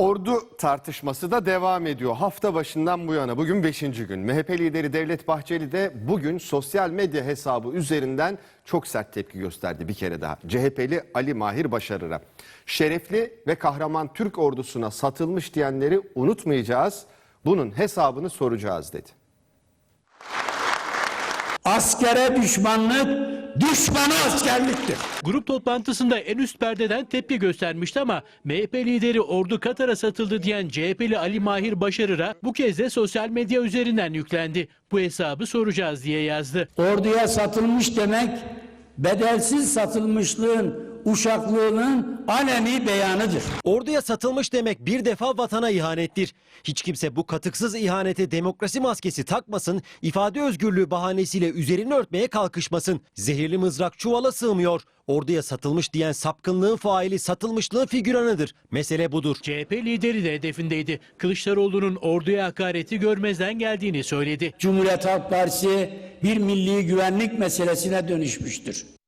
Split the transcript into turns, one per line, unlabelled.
Ordu tartışması da devam ediyor. Hafta başından bu yana bugün 5. gün. MHP lideri Devlet Bahçeli de bugün sosyal medya hesabı üzerinden çok sert tepki gösterdi bir kere daha. CHP'li Ali Mahir Başarır'a. Şerefli ve kahraman Türk ordusuna satılmış diyenleri unutmayacağız. Bunun hesabını soracağız dedi.
Askere düşmanlık, düşmana askerliktir.
Grup toplantısında en üst perdeden tepki göstermişti ama MHP lideri ordu Katar'a satıldı diyen CHP'li Ali Mahir Başarır'a bu kez de sosyal medya üzerinden yüklendi. Bu hesabı soracağız diye yazdı.
Orduya satılmış demek, bedelsiz satılmışlığın, uşaklığının aleni beyanıdır.
Orduya satılmış demek bir defa vatana ihanettir. Hiç kimse bu katıksız ihanete demokrasi maskesi takmasın, ifade özgürlüğü bahanesiyle üzerini örtmeye kalkışmasın. Zehirli mızrak çuvala sığmıyor. Orduya satılmış diyen sapkınlığın faili satılmışlığın figüranıdır. Mesele budur.
CHP lideri de hedefindeydi. Kılıçdaroğlu'nun orduya hakareti görmezden geldiğini söyledi.
Cumhuriyet Halk Partisi bir milli güvenlik meselesine dönüşmüştür.